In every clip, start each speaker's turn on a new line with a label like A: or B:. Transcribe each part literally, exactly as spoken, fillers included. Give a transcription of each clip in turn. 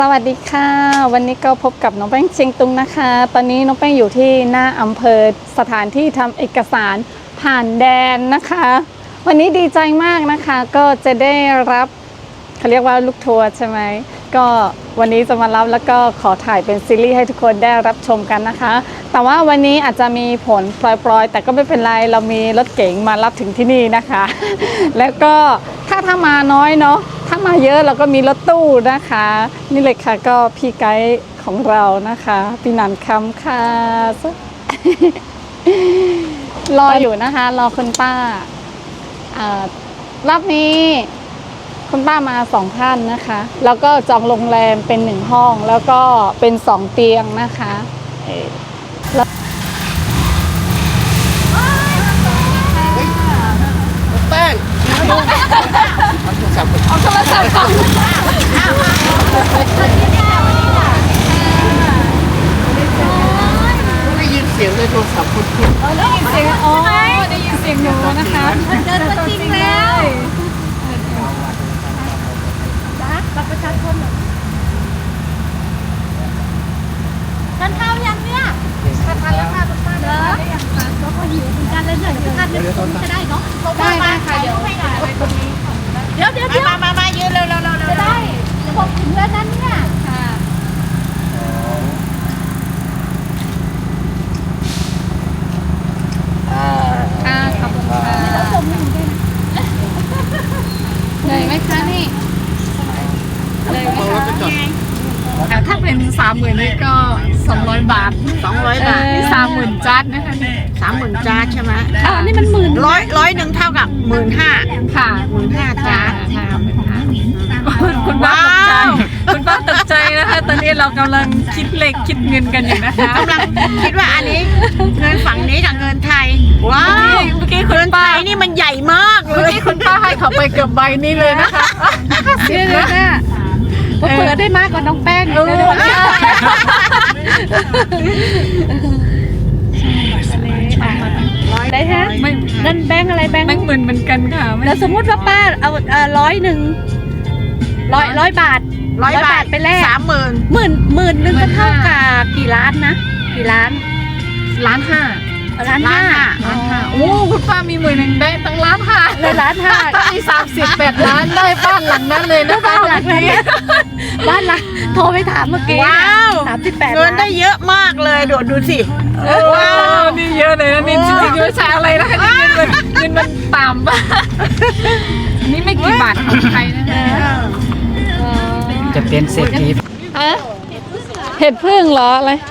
A: สวัสดีค่ะวันนี้ก็พบกับน้องแป้งเชียงตุงนะคะตอนนี้น้องแป้งอยู่ที่หน้าอำเภอสถานที่ทำเอกสารผ่านแดนนะคะวันนี้ดีใจมากนะคะก็จะได้รับเขาเรียกว่าลูกทัวร์ใช่ไหมก็วันนี้จะมารับแล้วก็ขอถ่ายเป็นซีรีส์ให้ทุกคนได้รับชมกันนะคะแต่ว่าวันนี้อาจจะมีผลปลอยๆแต่ก็ไม่เป็นไรเรามีรถเก๋งมารับถึงที่นี่นะคะแล้วก็ถ้าถ้ามาน้อยเนาะถ้ามาเยอะเราก็มีรถตู้นะคะนี่เลยค่ะก็พี่ไกด์ของเรานะคะพี่นันคำค่ะ รออยู่นะคะรอคุณป้ารอบนี้คุณป้ามาสองท่านนะคะแล้วก็จองโรงแรมเป็นหนึ่งห้องแล้วก็เป็นสองเตียงนะคะ
B: แป้งเอาโทรศัพท์เอาโทรศัพท์ก่อนได้ยินเสียงในโทรศัพท์คุณคุณ
A: ได้ยินเสียงอ๋อได้ยินเสียงหนูนะคะ
C: เจอตัวจริงแล้วจ้าบัตรประชาชนทานข้าวยังเนี่ยทานแล้วค่ะคุณป้าเด้อก็พอหิวเหมือนกันเลยเหนื่อยทานเดี๋ยวจะได้เนาะ
A: ได้ได้ค่ะเดี๋ยวตรงนี้
C: เดี๋ยวเดี๋ยวเดี๋ยวมามามายืนเร็วเร็วเร็วจะได้เดี๋ยวผมถึงแล้วนั้นเนี่ยค่ะ
A: อ่าขอบคุณค่ะเลยไหมคะนี่เลยไหมคะถ้าเป็นสามหมื่นนี่ก็สองร้อยบาท
B: สองร้อยบาท
A: นี่สามหมื่นจัดนะคะนี่
B: สามหมื่นจาร์ดใช่ไหม
A: อ่านี่มันหมื่น
B: ร้อยร้อยหนึ่งเท่ากับหมื่นห้า
A: ค่ะ
B: หมื่นห้าจาร์ด
A: ค่ะคุณป้าตกใจคุณป้าตกใจนะคะตอนนี้เรากำลังคิดเลขคิดเงินกันอยู่นะคะ
B: กำลังคิดว่าอันนี้เงินฝั่งนี้กับเงินไทยว้าว
A: เมื่อกี้คุณป้า
B: นี่มันใหญ่มากเล
A: เมื่อย กี้คุณป้าให้เขาไปเกือบใบนี้เลยนะคะ
C: เดี๋ยวนะเผื่อได้มากกว่าน้องแป้งอีกนะได้ฮะนั่นแบงอะไรแบง
A: แบงค์หมื่นเหมือนกันค่ะ
C: แล้วสมมติว่าป้าเอาร้อยหนึ่งร้อยร้อยบาท
B: ร้อยบาท
C: ไปแลก
B: สามหมื่น
C: หมื่นหมื่นนึงก็เท่ากับกี่ล้านนะกี่ล้าน
A: ล้านห้า
C: ล้านห้า
A: ล้านห้าโอ้คุณป้ามีหมื่นหนึ่งได้ตั้งล้านห้า
C: เลยล้านห้า
A: ก็มีสามสิบแปดล้านได้บ้านหลังนั้นเลยนะ
C: บ้านหลังนี้บ้านหลังโทรไปถามเมื่อกี้
B: ว้าว
C: สามสิบแปด
B: เงินได้เยอะมากเลยดูดูสิ
A: ว้าวนี่เยอะเลยนะนี่จริงๆไม่ใช่อะไรนะคะเงินมันเงินมันต่ำป่ะนี่ไม่กี่บาทของไทยนะคะ
D: จะเป็นเศรษฐี
A: ฮะเห็ดพึ่งเหรออะไร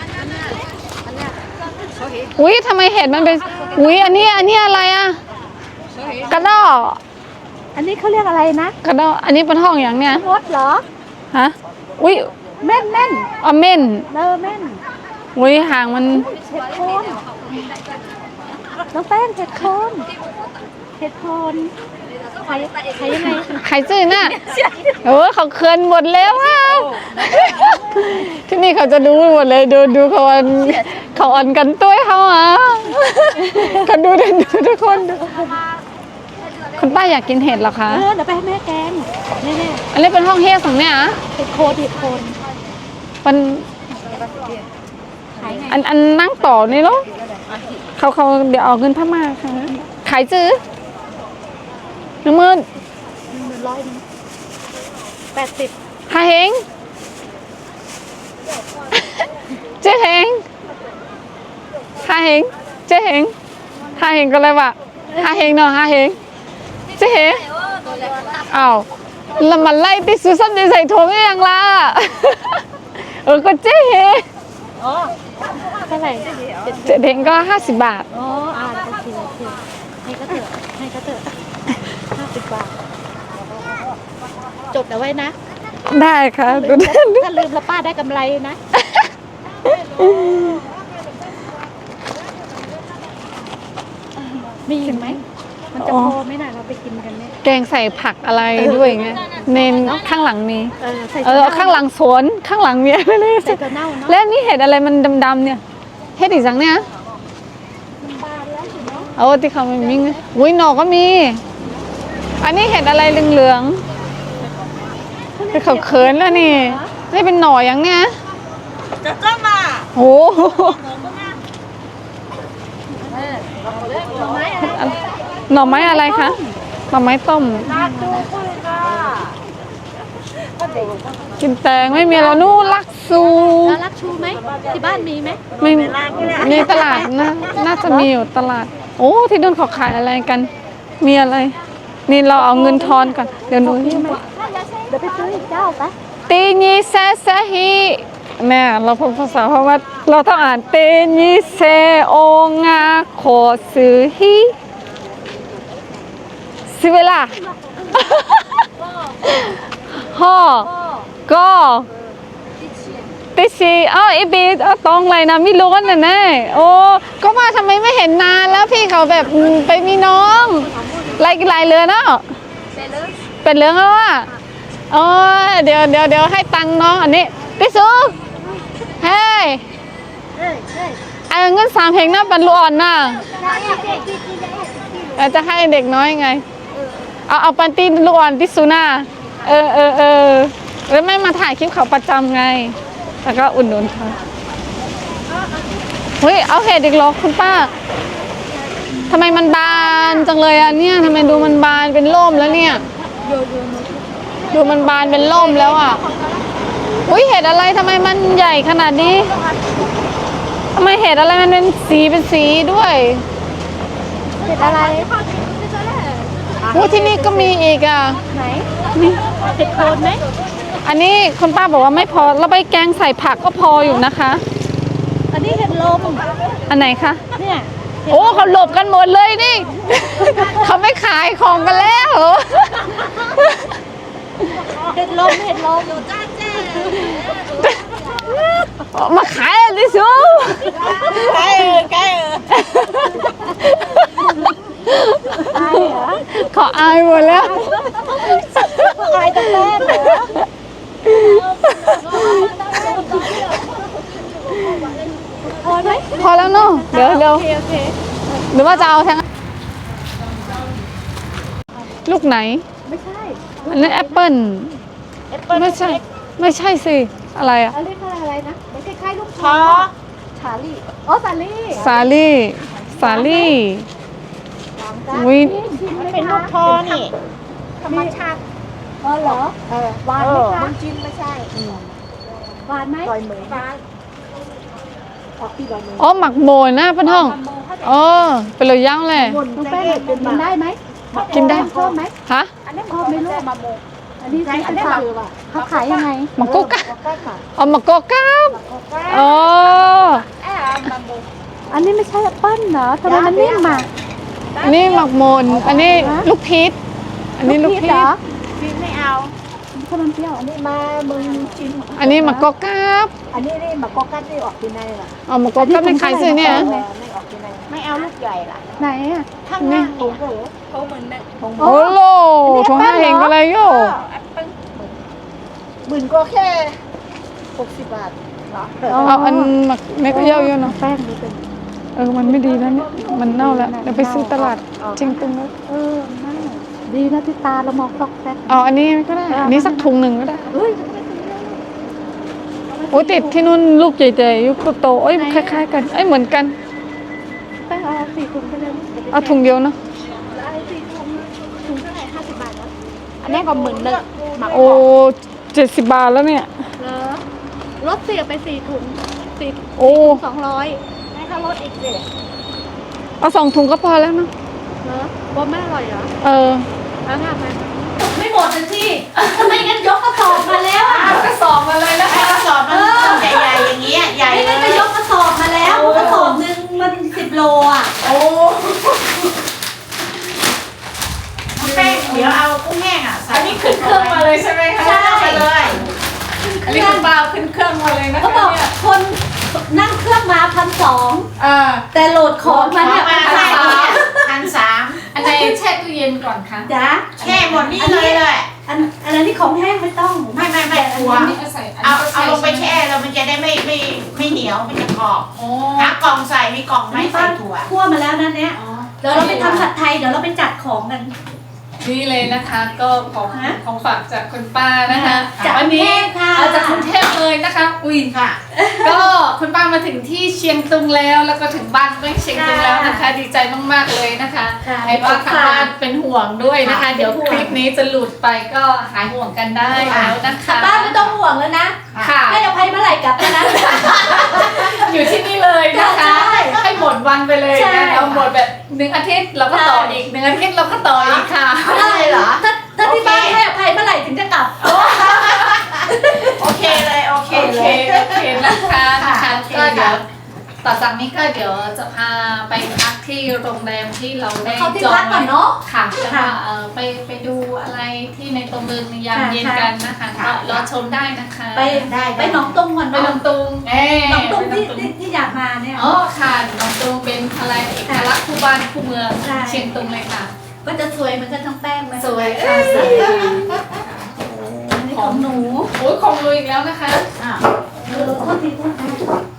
A: อุ้ยทำไมเห็ดมันเป็นอุ้ยอันนี้อันนี้อะไรอ่ะกระดอ
C: อันนี้เขาเรียกอะไรนะ
A: กระดออันนี้เป็นห้องอย่างเนี้ย
C: มดเหรอ
A: ฮะอุ้ย
C: เม่นเม่น
A: อ๋อเม่น
C: เออเม่น
A: อุ้ยหางมัน
C: เห็ดโคนน้องแป้งเห็ดโคนเห็ดโคนใครใครยังไง
A: ใครซื้อน่ะโอ้เขาเคินหมดแล้วอ่ะที่นี่เขาจะดูหมดเลยดูดูเขาอันเขาอันกันตัวเขาอ่ะเขาดูดูทุกคนคุณป้าอยากกินเห็ดหรอคะ
C: เออเดี๋ยวไปให้แม่แกงนี่นี่
A: อันนี้เป็นห้องเฮสของเนี่ยอ่ะ
C: เห็ดโคนเห็ดโคน
A: มันอันอันนั่งต่อนี่ลูกเขาเขาเดี๋ยวเอาเงินพม่าค่ะขายซื้อหนึ่งหมื่น
C: หนึ่งหมื่นร้อยนึงแปดสิบ
A: ฮาเฮงเจ๊เฮงฮาเฮงเจ๊เฮงฮาเฮงก็เลยว่าฮาเฮงเนาะฮาเฮงเจ๊เฮงอ้าวแล้วมันไล่ติดซูซันดีใส่ถุงยังล่ะเออก็เจ๊เฮง
C: อ๋อเท่าไหร่
A: เจ๊เฮงก็ห้าสิบบาท
C: อ๋ออ่าโอเคโอเคให้ก็เถอะให้ก็เถอะห้าสิบบาทจดเอาไว้นะ
A: ได้ค่ะ
C: ถ้าลืมแล้วป้าได้กำไรนะมีอีกไหมมันจะพอไหมน่ะเราไปกินกันเนี่ย
A: แกงใส่ผักอะไรด้วยไงเน้นข้างหลังมีเออข้างหลังสวนข้างหลังมีอะไรเลย
C: ใส่ตัวเน่าเนาะ
A: แล้วนี่เห็ดอะไรมันดำๆเนี่ยเห็ดอีกสังเนี่ยเอาที่เขาไม่มีอุ้ยหนอกก็มีอันนี้เห็ดอะไรเหลืองๆที่เขาเขินแล้วนี่นี่เป็นหน่ออย่างเนี้ย
B: จะจ้ามา
A: โอ้โห หน่อไม้อะไรคะ หน่อไม้ต้ม กินแตงไม่มีแล้วนู่นลักซู
C: แล้วรักชูไหมที่บ้านมีไหม
A: ไม่มีตลาดนะน่าจะมีอยู่ตลาด โอ้ ที่นู่นเขาขายอะไรกัน มีอะไร นี่เราเอาเงินทอนก่อน เดี๋ยวหนู
C: เดี๋ยวไปซื้ออีกเจ้าไป
A: ตีนีเซซะฮีแม่เราพูดภาษาเพราะว่าเราต้องอ่านเตนีเซโองาโคซือฮีสิเวลา ฮ่อก็ติชีอ้าวไอบีเอาตรงเลยนะไม่รู้กันแน่ๆโอ้ก็ว่าทำไมไม่เห็นนานแล้วพี่เขาแบบไปมีน้องไล่ไล่เรือเนาะเป็นเรื่องแล้วอ่ะโอ้เดี๋ยวเดี๋ยวเดี๋ยวให้ตังค์น้องอันนี้พี่ซูเฮ้ยเอาเงินสามเพลงนะบรรลุอ่อนนะเราจะให้เด็กน้อยไงเอาเอาปันตีลูกอ่อนที่ซูน่าเออเออเออแล้วไม่มาถ่ายคลิปเขาประจำไงแล้วก็อุ่นหนุนเขาเฮ้ยเอาเห็ดอีกเหรอคุณป้าทำไมมันบานจังเลยอ่ะเนี่ยทำไมดูมันบานเป็นร่มแล้วเนี่ยดูมันบานเป็นร่มแล้วอ่ะอุ้ยเห็ดอะไรทำไมมันใหญ่ขนาดนี้ทำไมเห็ดอะไรมันเป็นสีเป็นสีด้วย
C: เห็ดอะไร
A: โอ้ที่นี่ก็มีอีกอ่ะ
C: ไหน
A: นี่
C: เห็ดโคนไหม
A: อันนี้คุณป้าบอกว่าไม่พอเราไปแกงใส่ผักก็พออยู่นะคะ
C: อันนี้เห็ดลม
A: อันไหนคะ
C: เนี่ย
A: โอ้เขาหลบกันหมดเลยนี่ เขาไม่ขายของกันแล้ว
C: เห็ดลมเห็ดลม
A: มาขายอะไรซู
B: ใกล้ใกล้
C: ตายเหรอ
A: ขออายหมดแล้ว
C: ตายตั้งแต่เหรอ พอไหม
A: พอแล้วเนาะเดี๋ยวเดี๋ยว
C: โอเคโอเค
A: หรือว่าจะเอาทั้งลูกไหน
C: ไม่ใช่
A: อันนี้แอปเปิ้ลไม่ใช่ ไม่ใช่สิ อะไรอะ
C: อันนี้คืออะไรนะมันคล้ายๆลูก
B: พอ
C: ชาลี่อ๋อสาลี่
A: สาลี่สาลี่วิ
B: มันเป็นลูกพอนี่
C: ธรรมชาติอ๋อเหรอเออหวานไหมคะมันจิ้นไม่ใช่หวานไหมลอยมือหวานออกที่ลอยมือ
A: อ๋อหมักโบยนะเพื่อนห้องอ๋อเป็นเลยย่างเลย
C: น้องแป้งกินได้ไหม
A: กินได้
C: ชอบไหม
A: ฮะ
C: อันนี้ชอบไหมลูกอันนี้ซื้อเป็นผักเขาขายยังไง
A: หมักกุ๊กอะอ๋อหมักโกก้ามอ๋อ
C: อันนี้ไม่ใช่แอปเปิ้ลเหรอทำไมมันนิ่มอ่ะ
A: อันนี้หมักโมนอันนี้ลูกพีชอันนี้ลูกพี
C: เหร
A: ช
C: อ
B: กินไม่เอา
C: ถ้ามันเปรี้ยวอันนี้มามึงชิม
A: อันนี้หมักโกก้าม
C: อันนี้นี่มากอกัดนี่ออกที่ไหนล่ะ
A: อ๋อหมักโกก้ามเป็นใครซื้อเนี่ย
C: ไม่ออกที่ไหน
B: ไม่เอาลูกใหญ่ล่ะ
C: ไหนอ่ะ
B: ข้างหน้านี่
A: โอ้โหถุงห้าเองก็เลยโย่
B: หมื่นก็แค่หกสิบบาทเหรอ
A: เอาอันหมักเม็ดเยอะๆเนาะ
C: แป้งดูเป็น
A: เออมันไม่ดีแล้วเนี่ยมันเน่าแล้วเดี๋ยวไปซื้อตลาดจริงตรงนั้น
C: เออน่าดีนะที่ตาเรามองซอกแซก
A: เอาอันนี้ก็ได้อันนี้สักถุงหนึ่งก็ได้
C: เฮ้ย
A: โอ้ยติดที่นู่นลูกใหญ่ๆยุคโตๆเอ้ยคล้ายๆกันเอ้ยเหมือนกัน
C: แป้งเอาสี่ถุงไปเลย
A: เอาถุงเดียวเนาะ
C: เอาสี่ถุงถุงเท่าไหร่ห้าสิบบาทนะอันนี้ก็หมื่นหนึ่งหมัก
A: โอ้เจ็ดสิบบาทแล้วเนี่ย
C: เหรอลดเสียไปสี่ถุงสี่
A: โอ้
C: สองร้อยให้ค่ารถอีกสิ
A: เอาสองถุงก็พอแล้วเนาะ
C: เหรอว่าไม่อร่อยเหรอ
A: เออ
C: แล้วทำไมไม่หมดสักทีทำไมงั้นยกกระสอบมาแล้วอ่ะ
A: กระสอบมาเลยนะ
B: ไอ้กระสอบมันใหญ่ๆอย่างเงี้ยใหญ่
C: ไม่
B: เล
C: งั้นก็
B: ย
C: ยกกระสอบมาแล้วกระสอบหนึ่งมันสิบโลอ่ะ
B: โอ้แป้งเดี๋ยวเอากุ้งแห้งอ่ะใส่
A: อันนี้ขึ้นเครื่องมาเลยใช่ไหมคะ
B: ใช่ไปเลย
A: อันนี้คุณบาวขึ้นเครื่องมาเลยนะคะ
C: เขาบอก
A: เนี่ย
C: คนนั่งเครื่องมาพันสอง
A: อ่า
C: แต่โหลดของมาเนี่ย
B: มา
C: พัน
B: ใส่
C: สาม
B: พันสาม
A: อันไหนแช่ตู้เย็นก่อนคะ
C: จ้ะ
B: แช่หมดนี่เลยเลย
C: อันอันนั้นที่ของแห้งไม่ต้อง
B: ไม่ไม่ไม่กลัว
A: อันนี้ก็ใส่น
B: เอา
A: นี้ก็
B: เอา
A: ใส่
B: ลงไปแช่แล้วมันจะได้ไม่ไม่ไม่เหนียวมันจะกรอบ
A: โอ้
B: หากล่องใส่มีกล่องไหม่ใส่ถั่ว
C: คั่วมาแล้วนั่นเนี้ย
A: อ๋อ
C: เดี๋ยวเราไปทำผัดไทยเดี๋ยวเราไปจัดของกัน
A: โนี่เลยนะคะก็ของของฝากจากคุณป้านะคะ
C: จาก
A: วันนี้
C: กรุงเทพค่ะ
A: เอาจากกรุงเทพเลยนะคะอุ้ย
B: ค่ะ
A: ก็คุณป้ามาถึงที่เชียงตุงแล้วแล้วก็ถึงบ้านแม่เชียงตุงแล้วนะคะ ดีใจมากๆเลยนะคะ
C: ค่ะ
A: ให้ว่าทางบ้านเป็นห่วงด้วยนะคะ
B: ค่ะ
A: เดี๋ยวคลิปนี้จะหลุดไปก็หายห่วงกันได้แล้วนะคะ
C: บ้านไม่ต้องห่วงแล้วนะ
A: ค่ะ
C: ให้อภัยเมื่อไหร่กลับแล้วนะ
A: อยู่ที่นี่เลยนะคะ
C: ใช่
A: ให้หมดวันไปเลย
C: ใช่
A: นะเราหมดแบบหนึ่งอาทิตย์เราก็ต่ออีกหนึ่งอาทิตย์เราก็ต่ออีกค่ะ
B: ได้เหรอ
C: ถ้าถ้าที่บ้านให้อภัยเมื่อไหร่ถึงจะกลับ
B: โอเคเลยโอเค
A: โอ
B: เล
A: เค
B: ย
A: โอเคนะคะนะคะ
B: โอเค
A: ก็เดี๋ยว
B: ค่ะ
A: ต่อจากนี้ก็เดี๋ยวจะพาไปพักที่โรงแรมที่เราได้
C: เข้าที่
A: จอง
C: พักก่อนเนอะ
A: ค่ะแล้วก็
C: ค่ะ
A: เอ่อไปไปดูอะไรที่ในตัวเมืองในยาม
C: ค่ะ
A: เย็นกันนะคะ
B: ค่ะ
A: ก็รอชมได้นะคะ
C: ไป
B: ได้
C: ไปหนองตุงก่อน
A: ไป
C: เนาะ
A: ลำตุงเอ๊ะ
C: หนองตุงที่
A: ไปลำ
C: ที่ที่อยากมาเนี่ย
A: อ๋อค่ะลำตุงเป็นอะไรเอกลักษณ์คู่บ้านคู่เมือง
C: ใช่
A: เชียงตุงเลยค่ะ
C: ก็จะสวยเหมือนกันทั้งแป้งไหม
A: สวยค่ะสวยค่ะ
C: อันนี้ของหนู
A: โอ้ยของลุยอีกแล้วนะคะ
B: อ่ะ
C: เออโทษทีโทษที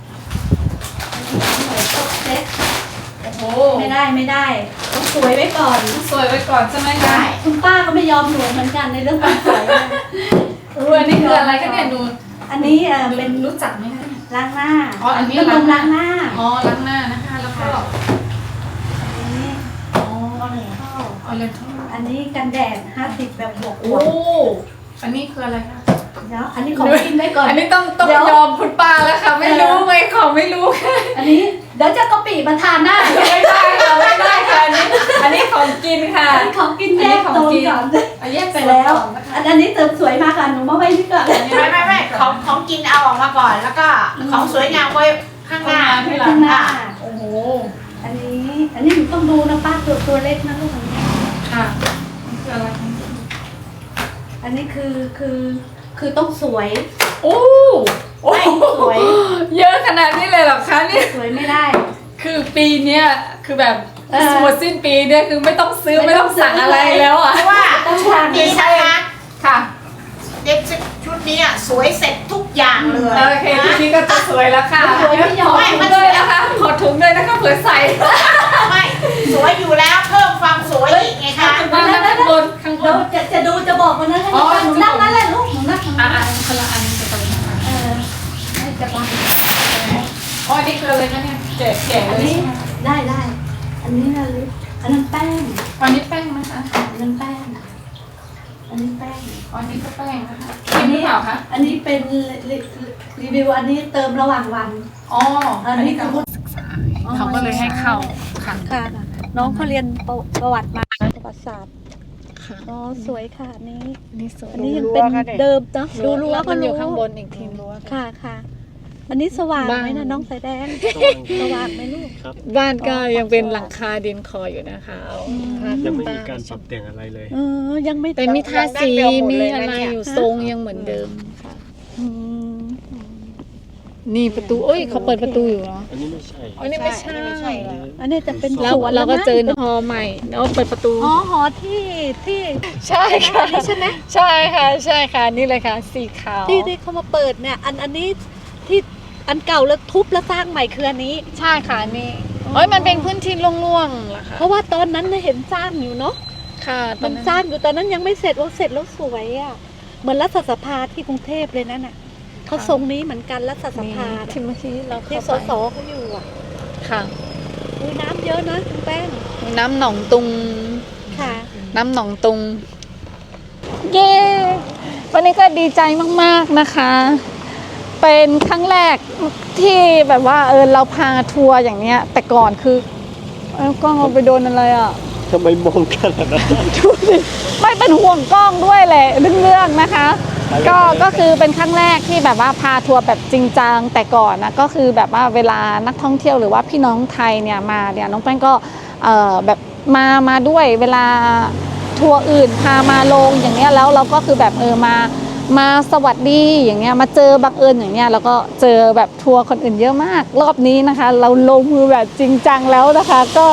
C: เซ็ต
A: โอ้โห
C: ไม่ได้ไม่ได้ต้องสวยไว้ก่อน
A: สวยไว้ก่อนใช่ไหมคะ
C: คุณป้าก็ไม่ยอมหนูเหมือนกันในเรื่องความสวยเนี่ย
A: เอออันนี้คืออะไรคะเนี่ยดู
C: อันนี้เออ
A: เป็
C: เป็น น
A: รู้จักไหมคะ
C: ล้างหน้า
A: อ๋ออันนี้
C: เป็นนม
A: ล้า
C: ล้าง ง
A: ห
C: ห
A: น้า
C: น้า
A: อ๋อล้างหน้านะคะแล้วก็
C: อันนี้
A: อ๋อ
C: ข้าว
A: ออเรนทัล
C: อันนี้กันแดดห้าสิบแบบบวกบ
A: โอ้
C: วก
A: อันนี้คืออะไรคะ
C: เดี๋ยวอันนี้ของกินไว้ก่อน
A: อันนี้ต้องต้อง
C: เดี๋ยว
A: ยอมคุณป้าแล้วค่ะ ไม่รู้ไหมของไม่รู้ค่ะ
C: อันนี้เดี๋ยวจะกะปิมาทานได้
A: ไม่ได้ค่ะไม่ได้ค่ะอันนี้อันนี้ของกินค่ะ
C: อันนี้ของกินแยก
A: อัน
C: โซ
A: นี้
C: น
A: ของกิน
C: ก่อน
A: เอาแยก
C: ไป
A: ไป
C: แล้
A: แล้ว ว
C: อันอันนี้เติมสวยมากค่ะหนูมาไว้นี่ก่อน
B: ไม่ไม่ไม่ของของกินเอาออกมาก่อน แล้วก็ของสวยงามไว้ข้างหน้า
A: ที่หลั
C: ข้างงหน้า
A: โอ้โห
C: อันนี้ อันนี้หนูต้องดูนะป้าตัวตัวเล็กนะลูกอันนี้
A: ค่ะมันคืออะไรคะ
C: อันนี้คือคือคือต้องสวย
A: โอ้โอ้
C: ไม่สวย
A: เยอะขนาดนี้เลยเหรอคะเนี่ย
C: สวยไม่ได้
A: คือปีเนี้ยคือแบบ
C: เออ
A: หมดสิ้นปีเนี่ยคือไม่ต้องซื้อ
C: ไม่
A: ไม่
C: ต้
A: ต้
C: อ
A: อง ง
C: ซื้อ
A: สั่งอะไรแล้วอ่ะ
B: เพราะว่า
C: ต้อง
B: ชุ
C: ทา
B: ด
C: น
B: นี้นะคะ
A: ค่ะ
B: เด็กชุดนี้อ่ะสวยเสร็จทุกอย่างเลย
A: โอเคทีนี้ก็จะสวยแล้วค่ะ
C: สวยไม่ยอม
A: ขอถุงด้วยนะคะขอถุงด้วยนะคะเผื่อใส่
B: ไม่สวยอยู่แล้วเพิ่มความสวยอีกไงคะ
A: ข้างบนข้างบนข้างบ
C: เดี๋ยวน จะจะดูจะบอกวันนั้นให้
A: อ๋อ
C: หนูนั่งนั่นแหละลูกหนูนั่งตรง
A: อ่า
C: นั้น
A: คนละอันจะตรงนี้ค่ะ
C: เออให้จะบัง
A: อ๋ออันนี้คืออะไรคะเนี่ยแกะแกะ
C: อัน
A: เลย
C: นี้
A: ใช่ไหม
C: ได้ได้ อันนี้นะลิอันนั้นแป้ง
A: อันนี้แป้งนะคะ
C: อันนั้นแป้ง อันนี้แป้ง
A: อ๋ออันนี้ก็แป้งนะคะกินหรือเปล่าคะ
C: อันนี้เป็นรีรีวิวอันนี้เติมระหว่างวัน
A: อ๋อ
C: อั
A: อั
C: น
A: น
C: นี้
A: นี้
C: คื
A: คือ อเขาก็เลยให้เข้าค่ะ
C: ค่ะ น้องเขาเรียนประประวัติมาประวัติศาสตร์
A: ค่ะ
C: อ๋อสวยค่ะอันนี้
A: อันนี้สวย
C: อันนี้ยังเป็นเดิมเนาะดูรั้วก็
A: มันอ
C: รู้
A: ยู่ข้างบนอีกทีรั้ว
C: ค่ะค่ะ อันนี้สว่างไหม
A: บ้า
C: นะ
A: น
C: น้องสายแดงสว่างไหมลูก
A: บ้านก็ยังเป็นหลังคาดินคออยู่นะคะเอาผ้า
E: ยังไม่
A: ขึ้
E: มี
A: น
E: การ
A: บ้น
E: ปรับแต่งอะไรเลย
C: เออยังไม่
A: แต่มีทาสีมีอะไรอยู่ทรงยังเหมือนเดิมค่ะ
C: อืม
A: นี่ประตูเอ้ยเขาเปิดประตูอยู่เหรอ
E: อันนี้ไม่ใช่
A: อันนี้ไม่ใช่
C: อันนี้จะเป็น
A: แล้ว
C: สวน
A: เราก็
C: มั้ง
A: เจอหอใหม่แล้วเปิดประตู
C: อ๋อหอที่ที่
A: ใช่ค่ะ
C: ใช่ไหม
A: ใช่ค่ะใช่ค่ะนี่เลยค่ะสีขาว
C: ที่ที่เขามาเปิดเนี่ย อันอันนี้ที่อันเก่าแล้วทุบแล้วสร้างใหม่คืออันนี้
A: ใช่ค่ะนี่เอ้ยมันเป็นพื้นที่โล่งๆเหรอคะ
C: เพราะว่าตอนนั้นน่ะเห็นสร้างอยู่เนาะ
A: ค่ะตอ
C: มัน น
A: นั้น
C: สร้างอยู่ตอนนั้นยังไม่เสร็จว่าเสร็จแล้วสวยอ่ะเหมือนรัฐสภาที่กรุงเทพเลยนั่นน่ะเขาทรงนี้เหมือนกันรัฐส
A: นี่
C: ภา
A: ที่เมื่อกี้เรา
C: ที่
A: เข้า
C: ส
A: ไป
C: สเขาอยู่อ่ะ
A: ค่ะ
C: อุ้ยน้ำเยอะนะคุณแป้ง
A: น้ำหนองตุง
C: ค่ะ
A: น้ำหนองตุง เย้ วันนี้ก็ดีใจมากๆนะคะ เป็นครั้งแรกที่แบบว่าเออเราพาทัวร์อย่างเนี้ย แต่ก่อนคือเอ้ยกล้องเราไปโดนอะไรอ่ะ
E: ทำไมมองขนาดนั้น
A: ดูสิไม่เป็นห่วงกล้องด้วยแหละเรื่องๆนะคะ ก็ก็คือเป็นครั้งแรกที่แบบว่าพาทัวร์แบบจริงจังแต่ก่อนนะก็คือแบบว่าเวลานักท่องเที่ยวหรือว่าพี่น้องไทยเนี่ยมาเนี่ยน้องแป้งก็เอ่อแบบมามาด้วยเวลาทัวร์อื่นพามาลงอย่างเนี้ยแล้วเราก็คือแบบเออมามาสวัสดีอย่างเงี้ยมาเจอบังเอิญอย่างเงี้ยแล้วก็เจอแบบทัวร์คนอื่นเยอะมากรอบนี้นะคะ เราลงมือแบบจริงจังแล้วนะคะ ก็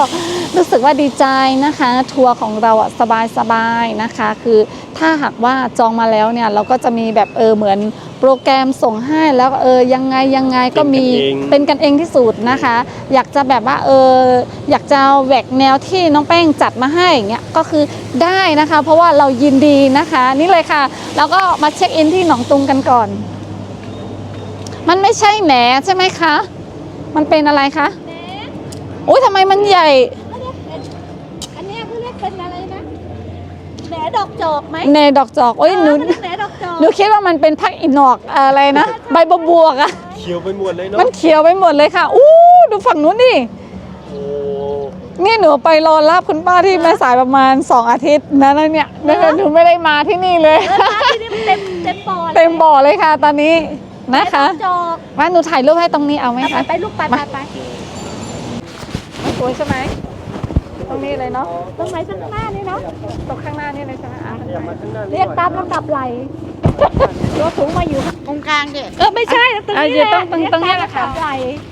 A: รู้สึกว่าดีใจนะคะ ทัวร์ของเราอะสบายๆนะคะ คือถ้าหากว่าจองมาแล้วเนี่ยเราก็จะมีแบบเออเหมือนโปรแกรมส่งให้แล้วเออยังไงยังไงก็มีเป็นกันเองที่สุดนะคะ อยากจะแบบว่าเอออยากจะแหวกแนวที่น้องแป้งจัดมาให้อย่างเงี้ยก็คือได้นะคะ เพราะว่าเรายินดีนะคะ นี่เลยค่ะแล้วก็มาเช็คอินที่หนองตุงกันก่อน มันไม่ใช่แหนใช่ไหมคะ มันเป็นอะไรคะโอ้ยทำไมมันใหญ่
C: อันเนี้ยเขาเรียกเป็นอะไรนะแหนดอกจอกไหม
A: เนดอกจอกโอ้ยหนู
C: เออมันเรียกแหนดอกจอก
A: หนูคิดว่ามันเป็นพักอินอกอะไรนะ ใบบวบวกอะ
E: เขียวไปหมดเลยเนาะ
A: มันเขียวไปหมดเลยค่ะ อู้ดูฝั่งนู้นดิ
E: โอ้
A: นี่หนูไปรอรับคุณป้าที่แม่สายประมาณสองอาทิตย์นะแล้วเนี่ยแล้วหนูไม่ได้มาที่นี่เลย
C: เออร้านที่นี่มันเต็มเต็มปอด
A: เต็มบ่อเลยค่ะ ตอนนี้นะคะ
C: จอก
A: ว่าหนูถ่ายรูปให้ตรงนี้เอาไหม
C: ไป
A: คะ
C: ไปลูกไปไปไป
A: สวยใช่ไหมตรงนี้เลยเนาะ
C: ตรงไหนข้างหน้านี่เนาะ
A: ตรงข้างหน้านี่เลยใช่ไหมอ่ะ
E: อย่ามาข้างหน้า
C: เรียกตามลำดับไหลตัวสูงมาอยู่
B: ตรงกลางเด็
C: เออไม่ใช่ตรง
A: อ่ะ
C: นี้
A: อยู่
C: แหละ
A: ตรงตรงตรงนี้แหละค่ะ
C: เรียกตามลำดับไหล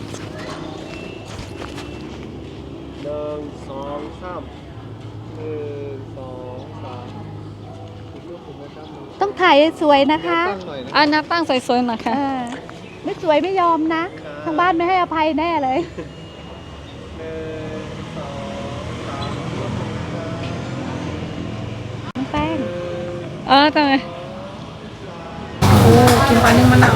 E: หนึ่งสองสามหนึ่งสองสามอีกรูปหนึ่งนะครับ
C: ต้องถ่ายสวยนะคะ
E: ตั้งหน่อยนะ
A: อ่ะนับตั้งสวยๆหน่อยค่ะ
C: เออไม่สวยไม่ยอมนะทางบ้านไม่ให้อภัยแน่เลย
E: หนึ่งสองสาม
C: น้องแป้ง
A: เออทำไมโอ้กินปลานึ่งมะนาว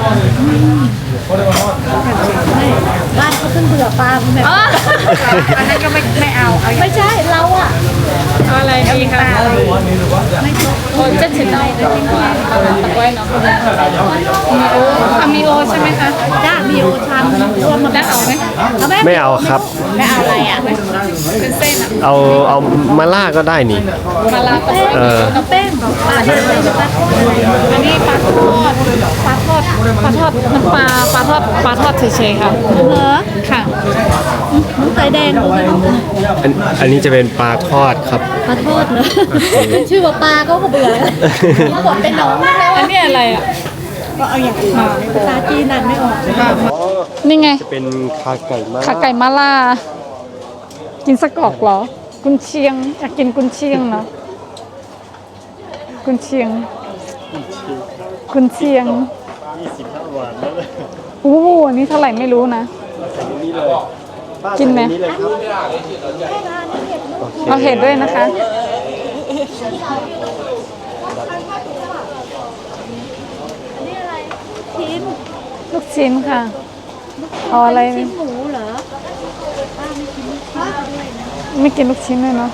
C: บ้านเขาเพิ่งเบื่อปลาแบบ
B: อันนั้นก็ไม่ไม่เอาเอาอย่าง
C: ไม่ใช่เราอะ
A: เอาอะไรดีคะโอ้จะถึงได้เลยที่ว่าตะไว้เนาะมีโอทำมีโอใช่ไหมคะ
C: จ้ามีโอชามรวมมา
A: แล้วเอาไหม
C: เอาไหม
E: ไม่เอาครับ
C: ไม่เอาอะไรอ่ะ
A: เป็นเส้นอะ
E: เอาเอามาล่าก็ได้นี่
A: มาลาตะไว้
E: เออ
A: น้ำแป้งปลาทอดอันนี้ปลาทอดปลาทอดปลาทอดมันปลาปลาทอดปลาทอดเฉยๆค่ะ
C: เหรอ
A: ค่ะ
C: น้ำใสแดงดูสิ
E: อันอันนี้จะเป็นปลาทอดครับ
C: ปลาทอดเหรอชื่อว่าปลาก็เบื่อแล้วเขาบอกเป็นหนองแล้ว
A: อันนี้อะไรอ่ะ
C: ก็เอาอย่างอื่นภาษาจีนนั่นไม่ออก
A: นี่ไง
E: จะเป็นขาไก่มาก
A: ขาไก่มาล่า กินสกอกเหรอ กุนเชียง อยากกินกุนเชียงเนาะกุนเชียง กุนเชียง
E: ยี่สิบห้าหวานแล้วเลย
A: อู้หูอันนี้เท่าไหร่ไม่รู้นะ
E: ใส่ในนี้เลยป้า
A: กินไหม
E: ใส่ใเลยครับโอเค
A: เอาเห็ดด้วยนะคะ
C: ชิ้น
A: ลูกชิ้นค่ะ เอาอะไร
C: ชิ้นหมูเหรอป้าไม่กินลูกชิ้นด้วยนะ
A: ไม่กินลูกชิ้นเลยเนาะ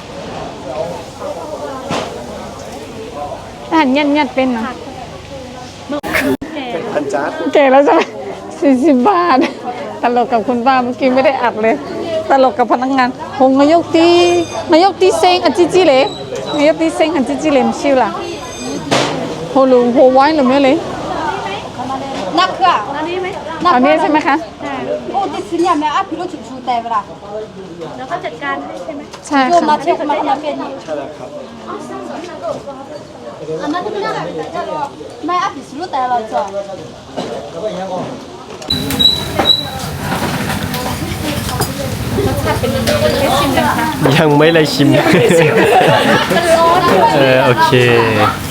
A: อาหารยันยันๆเป็นเนาะ
C: แก่
E: พันจาร์
A: เก๋แล้วใช่ไหมสี่สิบบาท ตลกกับคุณป้าเมื่อกี้ไม่ได้อัดเลย ตลกกับพนักงานหงนายกตีนายกตีเซ็งอันจิจิเลยนายกตีเซ็งอันจิจิเลยมชิวล่ะโหลูโหไว้หรือไม่เลย
C: นักเครื่องอันนี้ไหม
A: เอานี้ใช่ไหมคะ
C: โอ้ดิฉันอยากแม่อ่ะพี่รู้ถึงชูแต่เวลาแล้วก็จัดการให้ใช่ไหม
A: ใช่
C: โยมมา
A: ค่ะ
C: เช็คมาทำเป็น
E: ใช่แล้วครับ
C: อันนั้นไม่ได้แม่อ่ะพี่รู้แต่เราจะ
E: ยังไม่ได้ชิม
C: มันร้อนด้วย
E: เออโอเค